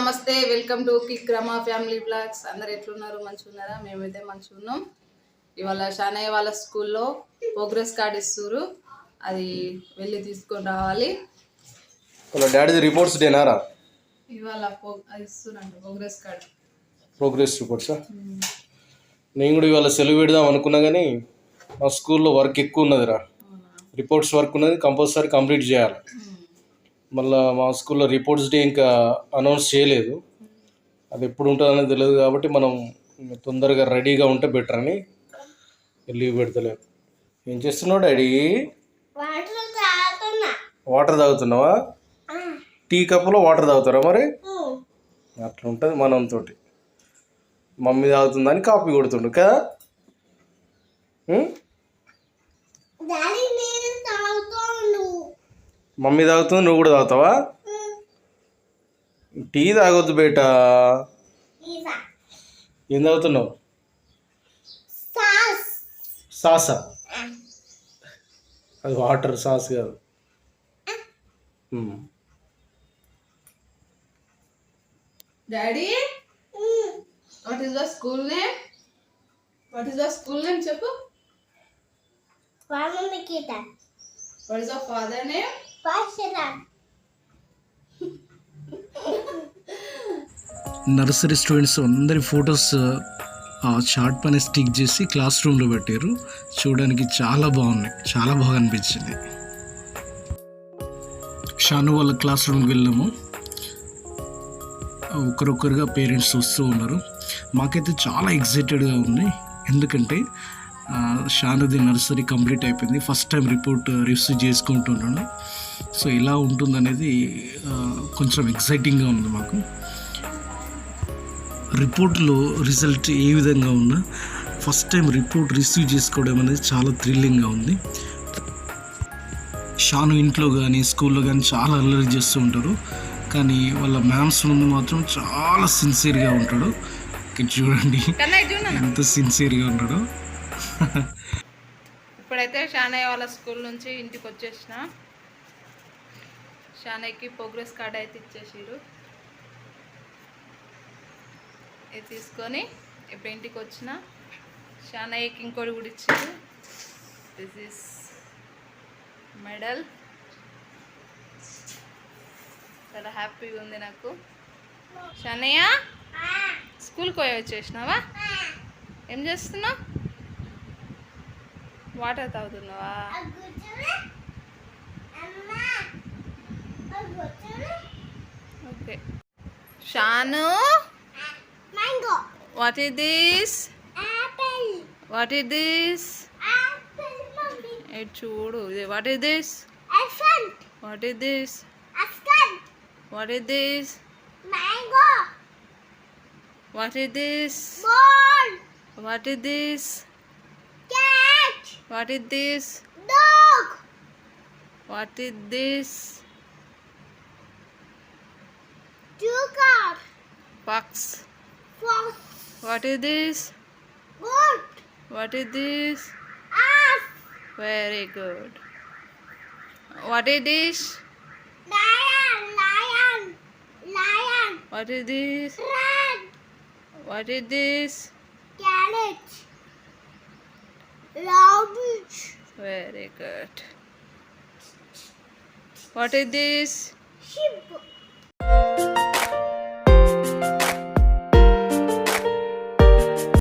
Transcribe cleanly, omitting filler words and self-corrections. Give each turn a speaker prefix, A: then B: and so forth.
A: నమస్తే, welcome to kick Rama family blogs. అందరు ఎట్లున్నారు? మంచిగా ఉన్నారా? మేమైతే మంచిగా ఉన్నాం. ఇవాళ షానయ్య వాళ్ళ స్కూల్లో ప్రోగ్రెస్ కార్డ్ ఇస్తున్నారు, అది వెళ్ళి తీసుకొని రావాలి.
B: వాళ్ళ డాడీది రిపోర్ట్స్ డేనారా?
A: ఇవాళ అది ఇస్తున్నారు ప్రోగ్రెస్ కార్డ్.
B: ప్రోగ్రెస్ రిపోర్ట్సా? నేను కూడా ఇవాళ సెలవు పెడదాం అనుకున్నా కానీ మా స్కూల్లో వర్క్ ఎక్కువ ఉన్నదిరా. రిపోర్ట్స్ వర్క్ ఉన్నది, కంపల్సరీ కంప్లీట్ చేయాలి. మళ్ళీ మా స్కూల్లో రిపోర్ట్స్ డే ఇంకా అనౌన్స్ చేయలేదు, అది ఎప్పుడు ఉంటుందనేది తెలియదు. కాబట్టి మనం తొందరగా రెడీగా ఉంటే బెటర్ అని లీవ్ పెడతలేదు. ఏం చేస్తున్నావు డాడీ? వాటర్ తాగుతున్నావా? టీ కప్పులో వాటర్ తాగుతారా? మరి అట్లా ఉంటుంది మనంతో. మమ్మీ తాగుతుందని కాపీ కొడుతుండు కదా. మమ్మీ తాగుతుంది, నువ్వు కూడా తాగుతావా? టీ తాగొద్దు బేటా. ఏం తాగుతున్నావు? సాసా? అది వాటర్, సాస్ కాదు.
A: Daddy, what is the school name? What is the school name చెప్పు.
C: Mama Nikita.
A: What is your father name?
C: Pashiran.
D: Nursery students అందరి ఫొటోస్ ఆ చార్ట్ పైన స్టిక్ చేసి క్లాస్ రూమ్లో పెట్టారు. చూడడానికి చాలా బాగున్నాయి, చాలా బాగా అనిపించింది. షాను వాళ్ళ క్లాస్ రూమ్కి వెళ్ళాము. ఒకరొకరుగా పేరెంట్స్ వస్తూ ఉన్నారు. మాకైతే చాలా ఎక్సైటెడ్గా ఉంది, ఎందుకంటే షానుది నర్సరీ కంప్లీట్ అయిపోయింది. ఫస్ట్ టైం రిపోర్ట్ రిసీవ్ చేసుకుంటున్నాను. సో ఇలా ఉంటుందనేది కొంచెం ఎక్సైటింగ్గా ఉంది మాకు. రిపోర్ట్లో రిజల్ట్ ఏ విధంగా ఉన్నా ఫస్ట్ టైం రిపోర్ట్ రిసీవ్ చేసుకోవడం అనేది చాలా థ్రిల్లింగ్గా ఉంది. షాను ఇంట్లో కానీ స్కూల్లో కానీ చాలా అల్లరి చేస్తూ ఉంటారు, కానీ వాళ్ళ మ్యామ్స్ ముందు మాత్రం చాలా సిన్సియర్గా ఉంటాడు. చూడండి ఎంత సిన్సియర్గా ఉంటాడో.
A: ఇప్పుడైతే షానయ్య వాళ్ళ స్కూల్ నుంచి ఇంటికి వచ్చేసిన. షానయ్యకి ప్రోగ్రెస్ కార్డ్ అయితే ఇచ్చేసారు. ఇది తీసుకొని ఇప్పుడు ఇంటికి వచ్చిన. షానయ్యకి ఇంకోటి కూడా ఇచ్చారు. This is medal. చాలా హ్యాపీగా ఉంది నాకు. షానయ్య, స్కూల్కి పోయి వచ్చేసినావా? ఏం చేస్తున్నావు? వాటర్ తాగుతున్నావా? Okay. Shanu,
C: Mango.
A: What is this?
C: Apple.
A: What is this?
C: Apple, mommy.
A: ఇది చూడు. What is this?
C: Elephant.
A: What is this?
C: Askan.
A: What is this?
C: Mango.
A: What is this?
C: Ball.
A: What is this?
C: Cat.
A: What is this?
C: Dog.
A: What is this?
C: Sugar.
A: Fox.
C: Fox.
A: What is this?
C: Goat.
A: What is this?
C: Ass.
A: Very good. What is this?
C: Lion. Lion. Lion.
A: What is this?
C: Rat.
A: What is this?
C: Carrot. Rabbit.
A: Very good. What is this?
C: Sheep.